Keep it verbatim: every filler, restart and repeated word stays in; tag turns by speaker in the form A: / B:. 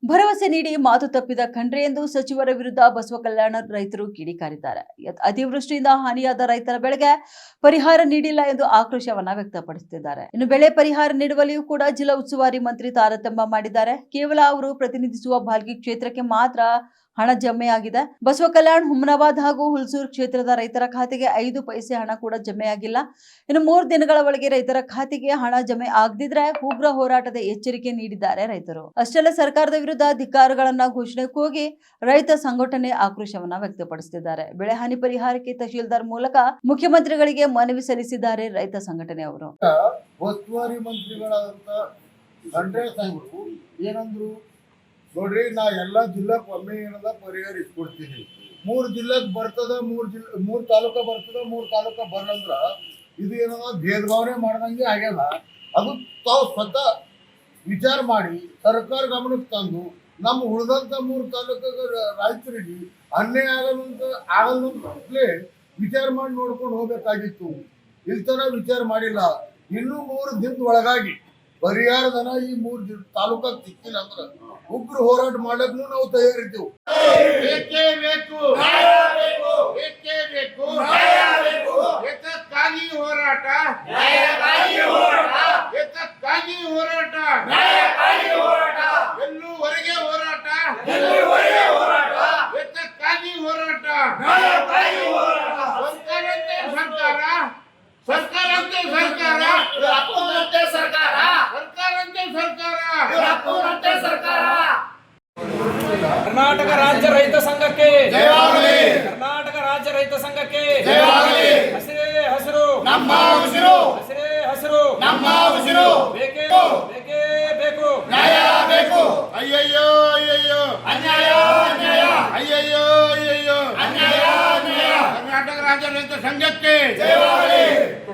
A: ಭರವಸೆ ನೀಡಿ ಮಾತು ತಪ್ಪಿದ ಖಂಡ್ರೆ ಎಂದು ಸಚಿವರ ವಿರುದ್ಧ ಬಸವಕಲ್ಯಾಣ ರೈತರು ಕಿಡಿಕಾರಿದ್ದಾರೆ. ಅತಿವೃಷ್ಟಿಯಿಂದ ಹಾನಿಯಾದ ರೈತರ ಬೆಳೆಗೆ ಪರಿಹಾರ ನೀಡಿಲ್ಲ ಎಂದು ಆಕ್ರೋಶವನ್ನ ವ್ಯಕ್ತಪಡಿಸುತ್ತಿದ್ದಾರೆ. ಇನ್ನು ಬೆಳೆ ಪರಿಹಾರ ನೀಡುವಲ್ಲಿಯೂ ಕೂಡ ಜಿಲ್ಲಾ ಉಸ್ತುವಾರಿ ಮಂತ್ರಿ ತಾರತಮ್ಯ ಮಾಡಿದ್ದಾರೆ. ಕೇವಲ ಅವರು ಪ್ರತಿನಿಧಿಸುವ ಬಾಲ್ಕಿ ಕ್ಷೇತ್ರಕ್ಕೆ ಮಾತ್ರ ಹಣ ಜಮೆಯಾಗಿದೆ. ಬಸವಕಲ್ಯಾಣ, ಹುಮನಾಬಾದ್ ಹಾಗೂ ಹುಲ್ಸೂರು ಕ್ಷೇತ್ರದ ರೈತರ ಖಾತೆಗೆ ಐದು ಪೈಸೆ ಹಣ ಕೂಡ ಜಮೆಯಾಗಿಲ್ಲ. ಇನ್ನು ಮೂರು ದಿನಗಳ ಒಳಗೆ ರೈತರ ಖಾತೆಗೆ ಹಣ ಜಮೆ ಆಗದಿದ್ರೆ ಉಗ್ರ ಹೋರಾಟದ ಎಚ್ಚರಿಕೆ ನೀಡಿದ್ದಾರೆ ರೈತರು. ಅಷ್ಟೆಲ್ಲ ಸರ್ಕಾರದ ವಿರುದ್ಧ ಧಿಕ್ಕಾರಗಳನ್ನ ಘೋಷಣೆ ಕೂಗಿ ರೈತ ಸಂಘಟನೆ ಆಕ್ರೋಶವನ್ನ ವ್ಯಕ್ತಪಡಿಸುತ್ತಿದ್ದಾರೆ. ಬೆಳೆ ಹಾನಿ ಪರಿಹಾರಕ್ಕೆ ತಹಶೀಲ್ದಾರ್ ಮೂಲಕ ಮುಖ್ಯಮಂತ್ರಿಗಳಿಗೆ ಮನವಿ ಸಲ್ಲಿಸಿದ್ದಾರೆ ರೈತ ಸಂಘಟನೆಯವರು.
B: ಉಸ್ತುವಾರಿ ಮಂತ್ರಿಗಳಾದಂತ ಖಂಡ್ರೆ ಸಾಹೇಬರು ಏನಂದ್ರು ನೋಡ್ರಿ, ನಾ ಎಲ್ಲಾ ಜಿಲ್ಲಾಕ್ ಒಮ್ಮೆ ಏನದ ಪರಿಹಾರ ಇಟ್ಕೊಡ್ತೀನಿ. ಮೂರ್ ಜಿಲ್ಲೆಗ್ ಬರ್ತದ, ಮೂರ್ ಜಿಲ್ಲೆ ಮೂರ್ ತಾಲೂಕ ಬರ್ತದ, ಮೂರ್ ತಾಲೂಕ ಬರಲ್ಲಂದ್ರ ಇದು ಏನದ ಭೇದ ಭಾವನೆ ಮಾಡ್ದಂಗೆ ಆಗ್ಯದ. ಅದು ತಾವು ಸ್ವತಃ ವಿಚಾರ ಮಾಡಿ ಸರ್ಕಾರ ಗಮನಕ್ಕೆ ತಂದು ನಮ್ಮ ಉಳಿದಂತ ಮೂರು ತಾಲೂಕ ರೈತರಿಗೆ ಅನ್ಯಾಯ ಆಗಲ್ಲಂತ ಆಗಲ್ಲೇ ವಿಚಾರ ಮಾಡಿ ನೋಡ್ಕೊಂಡು ಹೋಗ್ಬೇಕಾಗಿತ್ತು. ಇಲ್ತನ ವಿಚಾರ ಮಾಡಿಲ್ಲ. ಇನ್ನೂ ಮೂರು ದಿನದ ಒಳಗಾಗಿ ಪರಿಹಾರದನ ಈ ಮೂರು ದಿನ ತಾಲೂಕಾಗ ಸಿಕ್ಕಿಲ್ಲ ಅಂದ್ರ ಉಗ್ರ ಹೋರಾಟ ಮಾಡಕ್ಕೂ ನಾವು ತಯಾರಿದ್ದೆವು.
C: ಬೇಕೇ ಬೇಕು, ಬೇಕೇ ಬೇಕು, ಎತ್ತಕ್ಕಾಗಿ ಹೋರಾಟ, ಎತ್ತಕ್ಕಾಗಿ ಹೋರಾಟ, ಎಲ್ಲೂವರೆಗೆ ಹೋರಾಟ, ಎತ್ತಕ್ಕಾಗಿ ಹೋರಾಟ. ಸರ್ಕಾರಂತೆ ಸರ್ಕಾರ, ಸರ್ಕಾರಂತೆ ಸರ್ಕಾರ,
D: ಅಪ್ಪನಂತೆ ಸರ್ಕಾರ,
C: ಸರ್ಕಾರಂತೆ ಸರ್ಕಾರ,
D: ಅಪ್ಪನಂತೆ ಸರ್ಕಾರ.
E: ಕರ್ನಾಟಕ ರಾಜ್ಯ ರೈತ ಸಂಘಕ್ಕೆ
B: ಜಯವಾಗಲಿ.
E: ಕರ್ನಾಟಕ ರಾಜ್ಯ ರೈತ ಸಂಘಕ್ಕೆ
B: ಜಯವಾಗಲಿ.
C: ಹಸಿರೇ ಹಸಿರು
B: ನಮ್ಮ ಉಸಿರು,
C: ಹಸಿರೇ ಹಸಿರು
B: ನಮ್ಮ ಉಸಿರು.
C: ಬೇಕೇ ಬೇಕೇ ಬೇಕು,
B: ನ್ಯಾಯ ಬೇಕು.
C: ಅಯ್ಯಯ್ಯೋ ಅಯ್ಯಯ್ಯೋ
B: ಅನ್ಯಾಯ ಅನ್ಯಾಯ,
C: ಅಯ್ಯಯ್ಯೋ ಅಯ್ಯಯ್ಯೋ
B: ಅನ್ಯಾಯ ಅನ್ಯಾಯ.
C: ಕರ್ನಾಟಕ ರಾಜ್ಯ ರೈತ ಸಂಘಕ್ಕೆ
B: ಜಯವಾಗಲಿ.